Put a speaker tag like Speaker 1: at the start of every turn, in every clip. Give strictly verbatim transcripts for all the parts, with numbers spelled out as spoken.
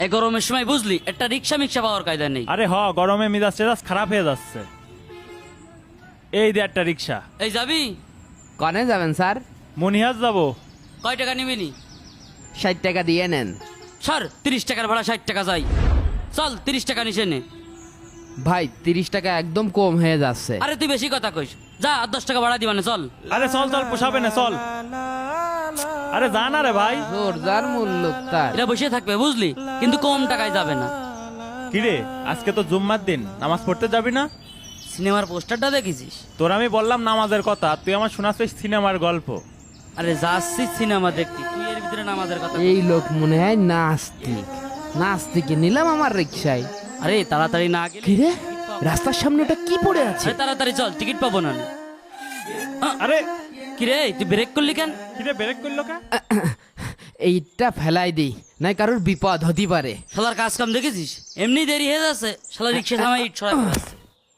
Speaker 1: এই গরমের সময় বুঝলি একটা রিক্সা মিক্সা পাওয়ার কায়দা নেই।
Speaker 2: আরে হ, গরমে মিজাজ টেজাজ খারাপ হয়ে যাচ্ছে। এই দে একটা রিক্সা।
Speaker 1: এই যাবি?
Speaker 3: কনে যাবেন স্যার?
Speaker 2: মনিহাজ যাবো।
Speaker 1: কয় টাকা নিবি নি?
Speaker 3: ষাট টাকা দিয়ে নেন।
Speaker 1: স্যার তিরিশ টাকার ভাড়া ষাট টাকা যাই, চল তিরিশ টাকা নিচে নে।
Speaker 3: ভাই তিরিশ টাকা একদম কম হয়ে যাচ্ছে।
Speaker 1: আরে তুই বেশি কথা কইস, যা আর দশ টাকা ভাড়া দিবানে চল।
Speaker 2: আরে চল চল, পোষাবে না, চল। আরে যা না রে ভাই।
Speaker 3: জোরদার মূল্য তার।
Speaker 1: এটা বসে থাকবে বুঝলি, কিন্তু কম টাকায় যাবে না।
Speaker 2: কিরে আজকে তো জুম্মার দিন, নামাজ পড়তে যাবি না?
Speaker 1: সিনেমার পোস্টারটা দেখেছিস?
Speaker 2: তোর আমি বললাম নামাজের কথা, তুই আমার শোনাচ্ছিস সিনেমার গল্প।
Speaker 1: আরে যাচ্ছিস সিনেমা দেখতে, তুই এর ভিতরে নামাজের কথা।
Speaker 3: এই লোক মনে হয় নাস্তিক। নাস্তিকে নিলাম আমার রিক্সায়।
Speaker 1: আরে তাড়াতাড়ি না গেলে
Speaker 3: কিরে রাস্তার সামনে ওটা কি পড়ে আছে?
Speaker 1: আরে তাড়াতাড়ি চল, টিকিট পাবো না।
Speaker 2: আরে
Speaker 1: কিরে তুই ব্রেক করলি কেন?
Speaker 2: কিরে ব্রেক করলো কে?
Speaker 3: এইটা ফেলাই দিই, নাই কারোর বিপদ হতে পারে।
Speaker 1: শালার কাজ কাম দেখেছিস? এমনি দেরি হয়ে যাচ্ছে, শালা রিক্সা থামাই ইট ছড়া ফেলাচ্ছে।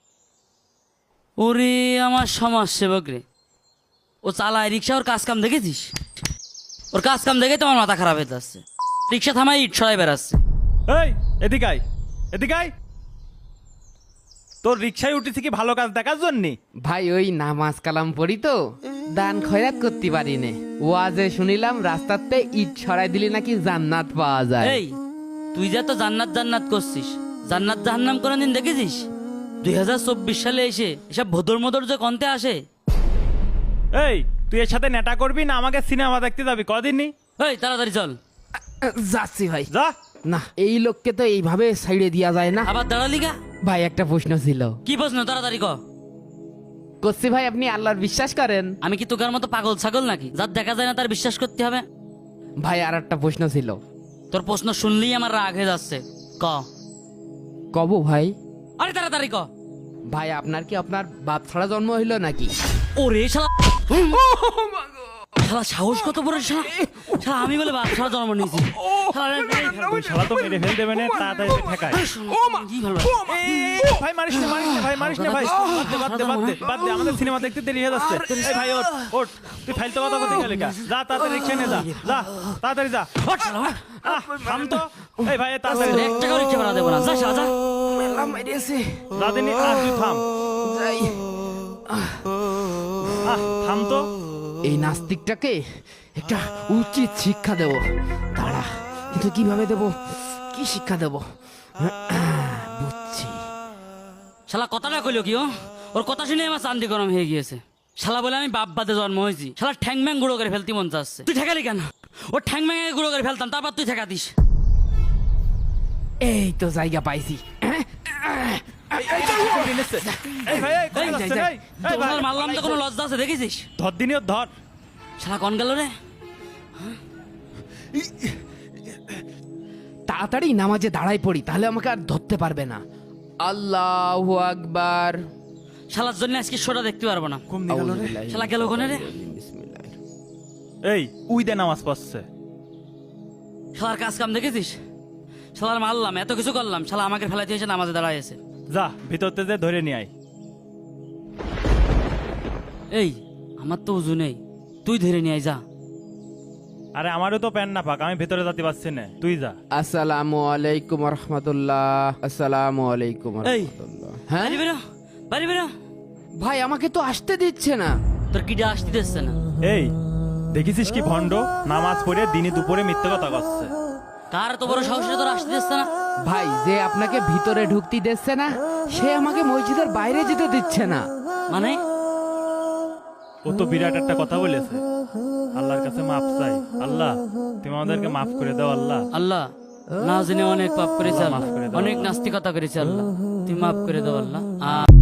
Speaker 1: ওরে আমার সমাজ সেবক রে, ও চালায় রিক্সা, ওর কাজ কাম দেখেছিস? ওর কাজ কাম দেখে তোমার মাথা খারাপ হয়ে যাচ্ছে। রিক্সা থামাই ইট ছড়াই বেড়াচ্ছে।
Speaker 2: এই এদিকে আয়, এদিকে আয়। তোর রিক্সায় উঠেছি কি ভালো কাজ দেখার জন্য?
Speaker 3: ভাই ওই নামাজ কালাম পড়ি তো, দান খয়রাত করতে পারি নে। ওয়াজে শুনিলাম রাস্তাতে ইট ছড়াই দিলে নাকি জান্নাত পাওয়া যায়।
Speaker 1: এই তুই যা তো জান্নাত জান্নাত করছিস, জান্নাত জাহান্নাম কোনদিন দেখেছিস? দুই হাজার চব্বিশ সালে এসে এসব ভদর মদর যে কন্তে আসে।
Speaker 2: এই তুই এর সাথে নেটা করবি না আমাকে সিনেমা দেখতে যাবি কদিনই?
Speaker 1: এই তাড়াতাড়ি চল।
Speaker 3: যাচ্ছি ভাই।
Speaker 2: যা।
Speaker 3: না এই লোককে তো এইভাবে সাইডে দেওয়া যায় না।
Speaker 1: আবার দাঁড়ালি গা?
Speaker 3: ভাই একটা প্রশ্ন ছিল।
Speaker 1: কি প্রশ্ন? তাড়াতাড়ি ক।
Speaker 3: করছি ভাই, আপনি আল্লাহর বিশ্বাস করেন?
Speaker 1: আমি কি তোকার মতো পাগল ছাগল নাকি যার দেখা যায় না তার বিশ্বাস করতে হবে?
Speaker 3: ভাই আর একটা প্রশ্ন ছিল।
Speaker 1: তোর প্রশ্ন শুনলেই আমার রাগ হয়ে যাচ্ছে, ক।
Speaker 3: কব ভাই?
Speaker 1: আরে তাড়াতাড়ি ক।
Speaker 3: ভাই আপনার কি আপনার বাপ ছাড়া জন্ম হইলো নাকি?
Speaker 1: ওরে শালা, শালা সাহস কত বড়! শালা শালা আমি বলে বাপ ছাড়া জন্ম নিয়েছি। শালা রে, এই
Speaker 2: ওই শালা তো মেরে ফেল দেবে না, তাড়াতাড়ি এসে ঠেকায়।
Speaker 1: কি ভালো।
Speaker 2: এই, ভাই মারিস না, মারিস না ভাই, মারিস না ভাই। বাদ দে, বাদ দে, বাদ দে, বাদ দে, আমাদের সিনেমা দেখতে দেরি হয়ে যাচ্ছে। এই ভাই ওঠ, ওঠ। তুই ফাইলতে কথা বলতে গেলে কা? যা তাড়াতাড়ি রিক্সা নিয়ে যা, যা তাড়াতাড়ি যা।
Speaker 1: ওঠ শালা, ওঠ।
Speaker 2: আহ, থাম তো। এই ভাই তাড়াতাড়ি
Speaker 1: তোর এক টাকাও রিক্সা ভাড়া দেবো না, যা শালা যা।
Speaker 3: মেলা মাইরেছে।
Speaker 2: যা দিনি, আহ, তুই থাম।
Speaker 3: যাই।
Speaker 2: আহ, থাম তো।
Speaker 3: এই নাস্তিকটাকে একটা উচিত শিক্ষা দেব। দাঁড়া, কিন্তু কিভাবে দেব, কি শিক্ষা দেব? বুঝছি।
Speaker 1: শালা কথাটা কইলো কি? ও ওর কথা শুনে আমার চান্দি গরম হয়ে গিয়েছে। শালা বলে আমি বাপ বাদে জন্ম হয়েছি, শালা ঠ্যাং ম্যাং গুঁড়ো করে ফেলতে মন চাচ্ছে। তুই ঠেকালি কেন? ও ঠ্যাং ম্যাং গুঁড়ো করে ফেলতাম, তারপর তুই ঠেকা দিস।
Speaker 3: এই তো জায়গা পাইছি।
Speaker 2: এই ভাই, এই কোথায়
Speaker 1: এই,
Speaker 2: যাচ্ছেন?
Speaker 1: যাই,
Speaker 2: এই, এই ভাই,
Speaker 1: তোর মারলাম তো কোনো লজ্জা আছে দেখেছিস?
Speaker 2: ধর দিনি ওর, ধর।
Speaker 1: শালা কন গেল রে?
Speaker 3: তাড়াতাড়ি নামাজে দাঁড়াই পড়ি, তাহলে আমাকে আর ধরতে পারবে না। আল্লাহু আকবার।
Speaker 1: শালার জন্য আজকে শোটা দেখতে পারবো না। শালা গেল কোনে রে?
Speaker 2: এই উই দে নামাজ পড়ছে।
Speaker 1: শালার কাজ কাম দেখেছিস? শালার মারলাম, এত কিছু করলাম, শালা আমাকে ফেলাতে এসে নামাজে দাঁড়াইছে।
Speaker 2: যা ভিতরতে যে ধরে নিয়ে আয়।
Speaker 1: এই আমার তো উজু নেই, তুই ধরে নিয়ে আয়, যা।
Speaker 2: আরে আমারও তো প্যান না পাক, আমি ভেতরে যেতে পারছি না, তুই যা।
Speaker 3: আসসালামু আলাইকুম রহমতুল্লাহ। আসসালামু আলাইকুম
Speaker 1: এই
Speaker 3: রহমতুল্লাহ। হ্যাঁ
Speaker 1: বাড়ি বেরো, বাড়ি বেরো।
Speaker 3: ভাই আমাকে তো আসতে দিচ্ছে না।
Speaker 1: তোর কিডা আসতে দিচ্ছে না?
Speaker 2: এই দেখেছিস কি ভণ্ড, নামাজ পড়ে দিনে দুপুরে মিথ্যে কথা করছে।
Speaker 1: কার তো বড় সাহসে তোর আসতে দিচ্ছে না?
Speaker 3: ভাই যে আপনাকে ভিতরে ঢুকতে দিচ্ছে না, সে আমাকে মসজিদের বাইরে যেতে দিচ্ছে না।
Speaker 1: মানে
Speaker 2: ও তো বিরাট একটা কথা বলেছে। আল্লাহর কাছে মাফ চাই, আল্লাহ তুমি আমাদেরকে মাফ করে দাও। আল্লাহ
Speaker 1: আল্লাহ না জেনে অনেক পাপ করেছে,
Speaker 2: আল্লাহ
Speaker 1: আল্লাহ
Speaker 2: মাফ করে দাও।
Speaker 1: অনেক নাস্তিকতা করেছে, আল্লাহ তুই মাফ করে দাও আল্লাহ। আ